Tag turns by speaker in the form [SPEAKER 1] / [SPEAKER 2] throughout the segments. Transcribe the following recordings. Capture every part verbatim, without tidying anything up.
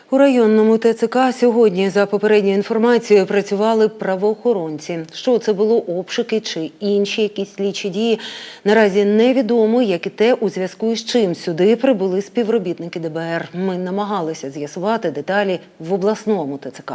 [SPEAKER 1] У районному ТЦК сьогодні, за попередньою інформацією, працювали правоохоронці. Що це було, обшуки чи інші якісь слідчі дії, наразі невідомо, як і те, у зв'язку з чим сюди прибули співробітники Д Б Р. Ми намагалися з'ясувати деталі в обласному ТЦК.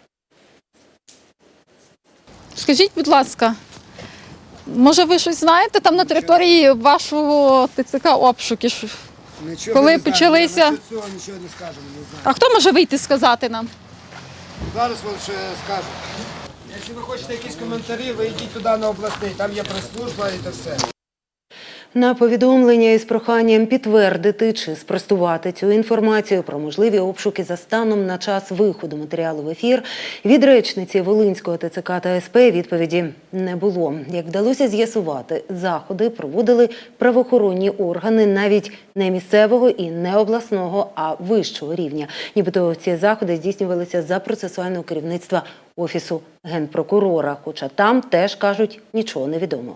[SPEAKER 2] Скажіть, будь ласка, може ви щось знаєте там на території вашого ТЦК обшуки?
[SPEAKER 3] Нічого
[SPEAKER 2] Коли
[SPEAKER 3] не
[SPEAKER 2] почалися?
[SPEAKER 3] Знаю. Цього нічого не скажемо, не знаю.
[SPEAKER 2] А хто може вийти сказати нам?
[SPEAKER 3] Зараз вони ще скажуть. Якщо ви хочете якісь коментарі, ви йдіть туди на обласний, там є прес-служба і це все.
[SPEAKER 1] На повідомлення із проханням підтвердити чи спростувати цю інформацію про можливі обшуки за станом на час виходу матеріалу в ефір від речниці Волинського ТЦК та С П відповіді не було. Як вдалося з'ясувати, заходи проводили правоохоронні органи навіть не місцевого і не обласного, а вищого рівня. Нібито ці заходи здійснювалися за процесуального керівництва Офісу Генпрокурора, хоча там теж, кажуть, нічого не відомо.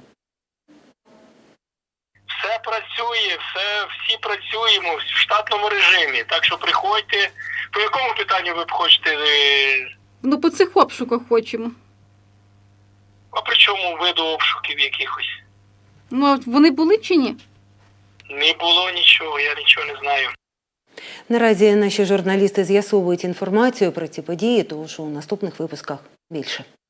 [SPEAKER 4] Все працює, все, всі працюємо в штатному режимі, так що приходьте. По якому питанню ви б хочете?
[SPEAKER 2] Ну, по цих обшуках хочемо.
[SPEAKER 4] А при чому виду обшуків якихось?
[SPEAKER 2] Ну, а вони були чи ні?
[SPEAKER 4] Не було нічого, я нічого не знаю.
[SPEAKER 1] Наразі наші журналісти з'ясовують інформацію про ці події, тож у наступних випусках більше.